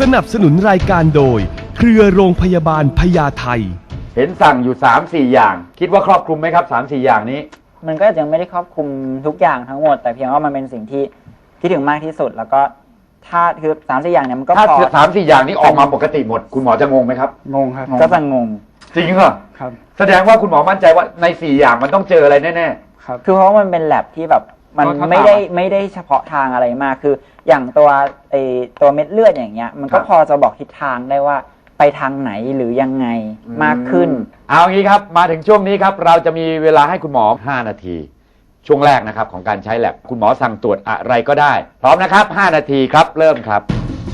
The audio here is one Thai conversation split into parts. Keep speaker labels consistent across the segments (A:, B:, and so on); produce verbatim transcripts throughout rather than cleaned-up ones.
A: สนับสนุนรายการโดยเครือโรงพยาบาลพญาไท
B: เห็นสั่งอยู่ สามสี่ อย่างคิดว่าครอบคลุมไหมครับ สามสี่ อย่างนี้
C: มันก็ยังไม่ได้ครอบคลุมทุกอย่างทั้งหมดแต่เพียงว่ามันเป็นสิ่งที่คิดถึงมากที่สุดแล้วก็ถ้าคือสามสี่อย่างเนี่ยมันก็
B: ถ้า
C: พอ
B: สามสี่ อย่างนี้ออกมาปกติหมดคุณหมอจะงงไหมครับ
D: งงครับ
C: ก็จะงง
B: จริงเหรอ
D: ครับ
B: แสดงว่าคุณหมอมั่นใจว่าในสี่อย่างมันต้องเจออะไรแน่
D: ครับ
C: คือเพราะว่ามันเป็นแลบที่แบบมัน
D: ก็ถ้า
C: ไม่ได้
D: ตาม
C: ไม่ได้เฉพาะทางอะไรมากคืออย่างตัวไอตัวเม็ดเลือดอย่างเงี้ยมันก็พอจะบอกทิศทางได้ว่าไปทางไหนหรือยังไง
B: ๆ
C: มากขึ้น
B: เอางี้ครับมาถึงช่วงนี้ครับเราจะมีเวลาให้คุณหมอห้านาที ช่วงแรกนะครับของการใช้แลบคุณหมอสั่งตรวจอะไรก็ได้พร้อมนะครับห้านาทีครับเริ่มครับ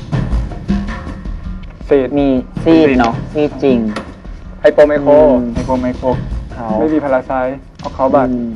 D: ซีด
C: มีซีดเนาะซีดจริง
D: ไฮโปไมโคร
C: อืม
D: ไฮโปไมโคร
C: เขา
D: ไม่มีพาราไซต์เอาเขาบัตร
C: อืม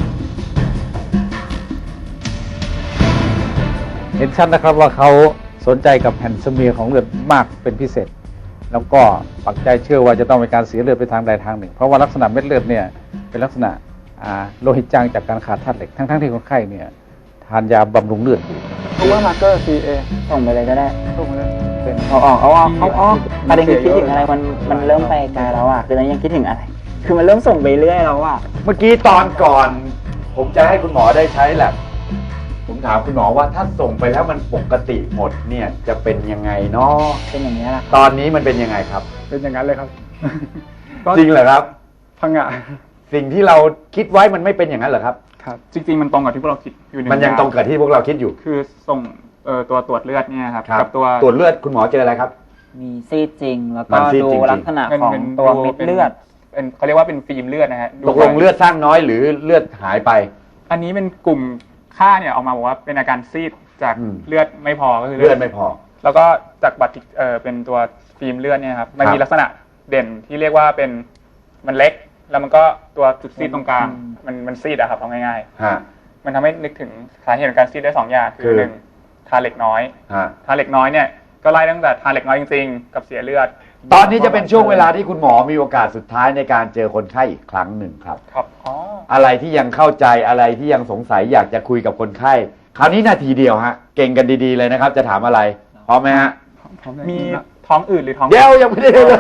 E: เห็นชัดนะครับว่าเขาสนใจกับแผ่นสเมียร์ของเลือดมากเป็นพิเศษ แล้วก็ปักใจเชื่อว่าจะต้องมีการเสียเลือดไปทางใดทางหนึ่ง เพราะว่าลักษณะเม็ดเลือดเนี่ยเป็นลักษณะอ่าโลหิตจางจากการขาดธาตุเหล็กทั้งๆที่คนไข้เนี่ยทานยาบำรุงเลือดอยู่
D: เพราะว่ามาร์เกอร์ ซี เอ
C: ส่งไปเลยก็ได้
D: ถูกไหมเป็น
C: เอาออกเอาออกเอาออก
D: ที่
C: ประเด็นคือคิดถึงอะไรมันมันเริ่มไปไกลแล้วอ่ะคือตอนนี้ยังคิดถึงอะไร คือมันเริ่มส่งไปเรื่อยแล้วอ่ะ
B: เมื่อกี้ตอนก่อน ผมจะให้คุณหมอได้ใช้แลบผมถามคุณหมอว่าถ้าส่งไปแล้วมันปกติหมดเนี่ยจะเป็นยังไงเนาะ
C: เป็นอย่างนี้ยแหละ
B: ตอนนี้มันเป็นยังไงครับ
D: เป็นอย่างนั้นเลยครับ
B: จริงเหรอครับ
D: พังงะ
B: สิ่งที่เราคิดไว้มันไม่เป็นอย่างนั้นเหรอครับ
D: ครับ จริง ๆ มันตรงกับที่พวกเราคิดอยู่หนึ่ง
B: มันยัง
D: อา
B: ตรงกับที่พวกเราคิดอยู่
D: คือส่งเอ่อตัวตรวจเลือดเนี่ยครับ
B: ครับ
D: กับตัว
B: ตรวจเลือดคุณหมอเจออะไรครับ
C: มีซีดจริง แล้ว
B: มั
C: ก็
B: นซีด
C: ดู
B: จริงๆ
C: ลักษณะ
D: เป็น
C: ของ
D: เป็น
C: ตัว
D: ดู
C: เม็ด
D: เป็น
C: เลือด
D: เป็นเขาเรียกว่าเป็นฟิล์มเลือดนะฮะดู
B: ตกลงเลือดสร้างน้อยหรือเลือดหายไป
D: อันนี้เป็นกลุ่มค่าเนี่ยออกมาบอกว่าเป็นอาการซีดจาก
B: อืม
D: เลือดไม่พอก็คือ
B: เลือดไม่พอ
D: แล้วก็จากบัตรเอ่อเป็นตัวฟิล์มเลือดเนี่ยครับมัน
B: ครับ
D: มีลักษณะเด่นที่เรียกว่าเป็นมันเล็ก แล้วมันก็ตัวจุดซีดตรงกลาง
C: อืม
D: มันมันซีดอะครับเอาง่าย
B: ฮะ
D: ๆ มันทำให้นึกถึงสาเหตุของการซีดได้สองอย่าง
B: คื
D: คือ อหนึ่งทานเหล็กน้อย
B: ฮะ
D: ทานเหล็กน้อยเนี่ยก็ไล่ตั้งแต่ทานเหล็กน้อยจริงๆ กับเสียเลือด
B: ตอนนี้จะเป็นช่วงเวลาที่คุณหมอมีโอกาสสุดท้ายในการเจอคนไข้อีกครั้งหนึ่งครับ
D: ครับอ๋อ
B: อะไรที่ยังเข้าใจอะไรที่ยังสงสัยอยากจะคุยกับคนไข้ คราวนี้นาทีเดียวฮะ เก่งกันดีๆเลยนะครับ จะถามอะไรพร้อมไหมฮะ
D: มีท้องอืดหรือท้อง
B: เดี๋ยวยังไม่ได้เลย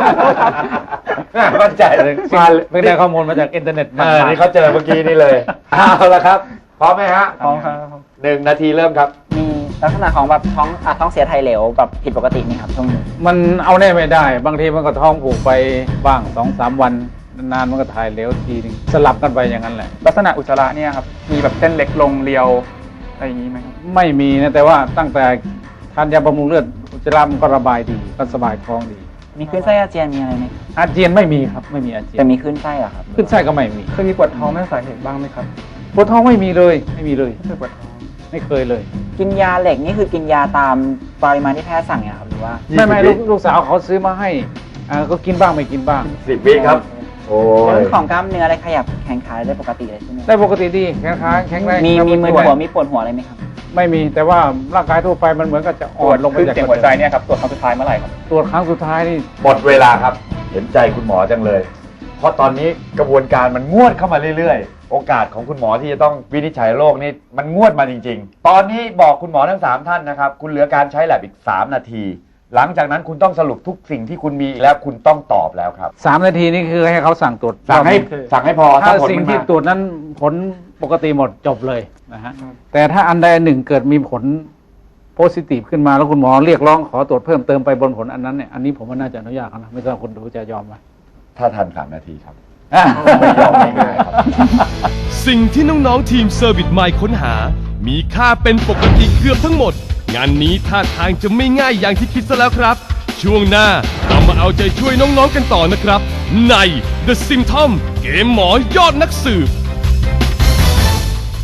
B: มั่นใจเลยมา
E: ไม่ได้ข้อมูลมาจากอินเทอร์เน็ต
B: เออนี่เขาเจอเมื่อกี้นี่เลยเอาละครับพร้อมไหมฮะ
D: ท้องครับ
B: หนึ่งนาทีเริ่มครับ
C: มีลักษณะของแบบท้องอ่ะท้องเสียไทยเหลวแบบผิดปกติไหมครับช่วงนี้
E: มันเอาแน่ไม่ได้ บางทีมันก็ท้องผูกไปบ้างสองสามวันนานๆมันก็ถ่ายเหลวทีนึงสลับกันไปอย่างนั้นแหละ
D: ลักษณะอุจจาระเนี่ยครับมีแบบเส้นเล็กลงเรียวอะไรอย่างนี้ไหมครับ
E: ไม่มีนะแต่ว่าตั้งแต่ทานยาบำรุงเลือดอุจจาระมันก็ระบายดีก็สบายท้องดี
C: มีขึ้นไส้อาเจียนมีอะไรไหมครับ
E: อาเจียนไม่มีครับไม่มีอาเจีย
C: แต่
E: น
C: มีขึ้นไส้เหรอครับ
E: ขึ้นไส้ก็ไม่มี
D: เคยมีปวดท้องไม่ทราบสาเหตุบ้างไหมครับ
E: ปวดท้องไม่มีเลยไม่มีเลย
D: ไม่เคยปวดท้อง
E: ไม่เคยเลย
C: กินยาเหล็กนี่คือกินยาตามปริมาณที่แพทย์สั่งเนี่ยครับหรือว่า
E: ไม่ไม่ลูกลูกสาวเขาซื้อมาให้อ่าก็กินบ้างไม่กินบ้าง
B: สิบวิครับ โอ้
C: เรื่
B: ย
C: องของกล้ามเนื้ออะไรขยับแขนขาได้ปกติเลยใช่ไหม
E: ได้ปกติดีแข็งขาแข็งแรง
C: มีมีมึนหัว
E: ไ
C: มีปวดหัวอะไรไหมครับ
E: ไม่มีแต่ว่าร่างกายทั่วไปมันเหมือนกับจะ
D: ต
E: อ่
D: ร
E: อ
D: วจ
E: นลงไป
D: ขึ้น
E: จาก
D: เสียงหัวใจเนี่ยครับตรวจครั้งสุดท้ายเมื่อไหร่ครับ
E: ตรวจครั้งสุดท้ายนี่
B: หมดเวลาครับ เห็นใจคุณหมอจังเลย เพราะตอนนี้กระบวนการมันงวดเข้ามาเรื่อยๆ โอกาสของคุณหมอที่จะต้องวินิจฉัยโรคนี่มันงวดมาจริงๆ ตอนนี้บอกคุณหมอทั้งสามท่านนะครับ คุณเหลือการใช้แลบอีกสามนาที หลังจากนั้นคุณต้องสรุปทุกสิ่งที่คุณมีแล้วคุณต้องตอบแล้วครับ
E: สามนาทีนี่คือให้เขาสั่งตรวจ
B: สั่งให้สั่งให้พอ
E: ถ้า
B: ผล
E: สิ่ง
B: มัน
E: ที่
B: มา
E: ตรวจนั้นผลปกติหมดจบเลยนะฮะแต่ถ้าอันใดอันหนึ่งเกิดมีผลโพซิทีฟขึ้นมาแล้วคุณหมอเรียกร้องขอตรวจเพิ่มเติมไปบนผลอันนั้นเนี่ยอันนี้ผมว่าน่าจะอนุญาตเขานะไม่ทราบคนดูจะยอมไหม
B: ถ้าทันสามนาทีครับ
E: อ่ะ
B: ไม่ยอมง่ายๆครับ
A: สิ่งที่น้องๆทีมเซอร์วิสไมล์ค้นหา มีค่าเป็นปกติเกือบทั้งหมด งานนี้ท่าทางจะไม่ง่ายอย่างที่คิดซะแล้วครับ ช่วงหน้าเรามาเอาใจช่วยน้องๆกันต่อนะครับ ใน The Symptom เกมหมอยอดนักสืบ